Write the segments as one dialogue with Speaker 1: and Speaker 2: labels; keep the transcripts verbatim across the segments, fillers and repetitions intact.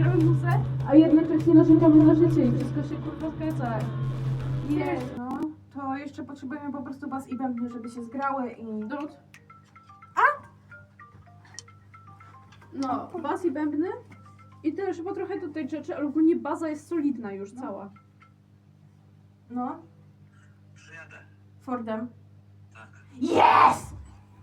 Speaker 1: gramy muzę, a jednocześnie narzekamy na życie i wszystko się kurwa zgadza.
Speaker 2: Jest. No, to jeszcze potrzebujemy po prostu bas i bębny, żeby się zgrały i...
Speaker 1: Drut. A? No, bas i bębny. I też chyba trochę do tej rzeczy, ale ogólnie baza jest solidna już cała.
Speaker 2: No,
Speaker 3: Przyjadę.
Speaker 2: Fordem.
Speaker 3: Tak.
Speaker 2: Yes!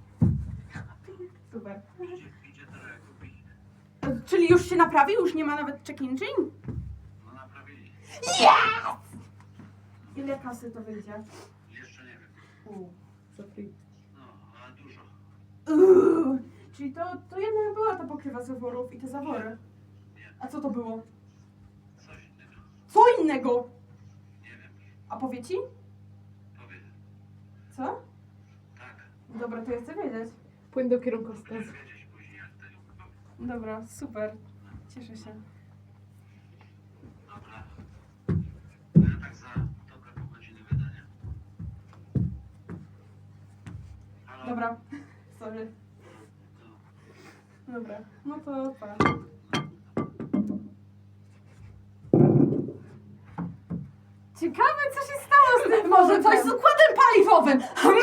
Speaker 2: Super.
Speaker 3: Idzie, idzie trochę kupić.
Speaker 2: Czyli już się naprawił? Już nie ma nawet check-in chain?
Speaker 3: No naprawili.
Speaker 2: Ile kasy to wyjdzie?
Speaker 3: Jeszcze nie wiem.
Speaker 2: U.
Speaker 1: Za free.
Speaker 3: No, ale dużo.
Speaker 2: Uuu. Czyli to, to jednak była ta pokrywa zaworów i te zawory. A co to było?
Speaker 3: Coś innego.
Speaker 2: Co innego?
Speaker 3: Nie wiem.
Speaker 2: A powie ci?
Speaker 3: Powiedz.
Speaker 2: Co?
Speaker 3: Tak.
Speaker 2: Dobra, to ja chcę wiedzieć.
Speaker 1: Płyn do kierunkowskazu.
Speaker 3: Będziesz wiedzieć później jak tego.
Speaker 2: Dobra, super. Cieszę się.
Speaker 3: Dobra. To ja tak za dobre pół godziny wydania. Halo?
Speaker 2: Dobra. Sorry.
Speaker 3: No.
Speaker 2: Dobra. No to pa. Ciekawe, co się stało z tym Może coś z układem paliwowym!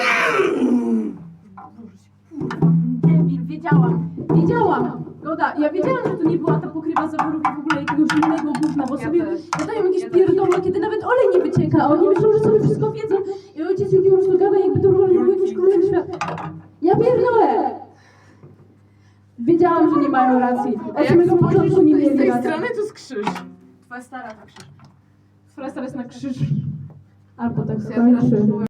Speaker 2: A, Boże, kurwa, debil, wiedziałam.
Speaker 1: Wiedziałam! Goda, ja wiedziałam, że to nie była ta pokrywa zaworów i w ogóle jakiegoś innego gówna, bo
Speaker 2: Ja
Speaker 1: sobie
Speaker 2: też.
Speaker 1: gadają jakieś
Speaker 2: Ja też.
Speaker 1: pierdoły, kiedy nawet olej nie wycieka, a oni myślą, że sobie wszystko wiedzą i ojciec Julki po prostu gada, jakby to normalnie był jakiś królowy świat. Ja pierdolę! Wiedziałam, że nie mają racji. Od samego początku nie mieli racji.
Speaker 2: to jest krzyż. Twoja stara to krzyż.
Speaker 1: Twoja stara jest na krzyż. Albo tak
Speaker 2: Ja teraz
Speaker 1: skończy.